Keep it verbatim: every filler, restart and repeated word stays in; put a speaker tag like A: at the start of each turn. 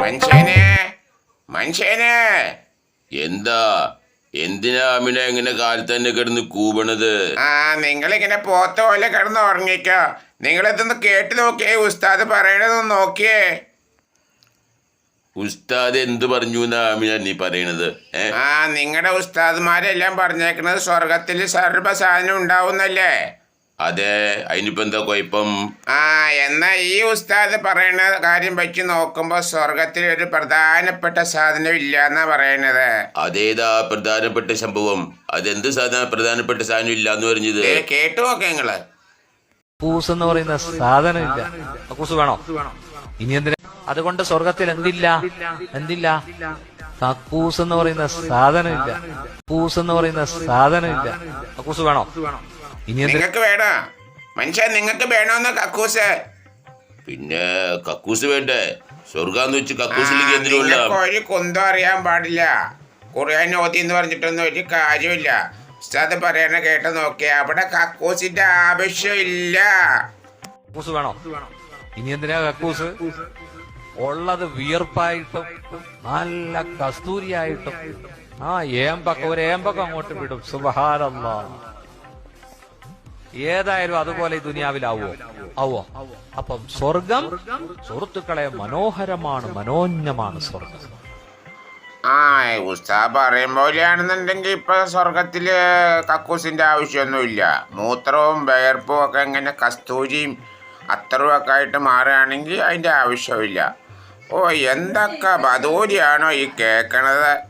A: മനുഷ്യനെ മനുഷ്യനെ
B: എന്താ എന്തിനാ അമിന എങ്ങനെ കാലത്ത് തന്നെ കിടന്ന് കൂവണത്?
A: ആ നിങ്ങളിങ്ങനെ പോത്ത പോലെ കിടന്ന് ഉറങ്ങിക്കോ. നിങ്ങളിതൊന്ന് കേട്ട് നോക്കിയേ, ഉസ്താദ് പറയണതൊന്ന് നോക്കിയേ.
B: ഉസ്താദ് എന്ത് പറഞ്ഞു എന്നാ അമിന നീ പറയണത്? ഏ
A: ആ നിങ്ങളുടെ ഉസ്താദ്മാരെല്ലാം പറഞ്ഞേക്കണത് സ്വർഗത്തിൽ സർവ്വ സാധനം ഉണ്ടാവുന്നല്ലേ?
B: അതെ, അതിനിപ്പോ എന്താ കുഴപ്പം?
A: ആ എന്നാ ഈ ഉസ്താദ് പറയുന്ന കാര്യം വെച്ച് നോക്കുമ്പോൾ സ്വർഗത്തിൽ ഒരു പ്രധാനപ്പെട്ട സാധനം ഇല്ല എന്നാ പറയണത്.
B: അതേതാ പ്രധാനപ്പെട്ട സംഭവം? അതെന്ത് സാധന പ്രധാനപ്പെട്ട സാധനം ഇല്ല എന്ന് പറഞ്ഞത്?
A: ഏ, കേട്ടു നോക്ക നിങ്ങള്.
C: കക്കൂസ് എന്ന് പറയുന്ന സാധനം ഇല്ല. കക്കൂസ് വേണോ? ഇനി എന്തിനാ? അതുകൊണ്ട് സ്വർഗത്തിൽ എന്തില്ല? എന്തില്ല? കക്കൂസ് എന്ന് പറയുന്ന സാധനം ഇല്ല. കക്കൂസ് എന്ന് പറയുന്ന സാധനം ഇല്ല. കക്കൂസ് വേണോ? ഇനി എന്തിനാ?
A: നിങ്ങൾക്ക് വേണോ മനുഷ്യൻ? നിങ്ങൾക്ക് വേണോന്ന് കക്കൂസ്?
B: പിന്നെ കക്കൂസ് വേണ്ടേ? സ്വർഗാന്ന് വെച്ച് കക്കൂസിലേക്ക് എന്തിനുള്ള?
A: നിങ്ങൾക്ക് ഒരു കുന്തം അറിയാൻ പാടില്ല. ഖുർആൻ ഓതി എന്ന് പറഞ്ഞിട്ടൊന്നും ഒരു കാര്യമില്ല. ഉസ്താദ് പറയണ കേട്ട് നോക്കിയാ അവിടെ കക്കൂസിന്റെ ആവശ്യമില്ല.
C: കക്കൂസ് വേണോ? ഇനി എന്തിനാ കക്കൂസ്? ഉള്ളത് വിയർപ്പായിട്ടും നല്ല കസ്തൂരിയായിട്ടും ആ ഏമ്പക്ക ഒരു ഏമ്പക്കം അങ്ങോട്ട് വിടും. സുബ്ഹാനല്ലാഹ്. ഏതായാലും അതുപോലെ ഈ ദുനിയാവിലാവോ? ആവോ? അപ്പം സ്വർഗം സുഹൃത്തുക്കളെ മനോഹരമാണ്, മനോജ്ഞമാണ് സ്വർഗം.
A: ആ ഉസ്താദ് പറയും പോലെയാണെന്നുണ്ടെങ്കിൽ ഇപ്പൊ സ്വർഗത്തില് കക്കൂസിന്റെ ആവശ്യമൊന്നുമില്ല. മൂത്രവും വിയർപ്പും ഒക്കെ ഇങ്ങനെ കസ്തൂരിയും അത്തറും ഒക്കെ ആയിട്ട് മാറുകയാണെങ്കിൽ അതിന്റെ ആവശ്യമില്ല. ഓ എന്തൊക്കെ ബദൂരിയാണോ ഈ കേൾക്കണത്.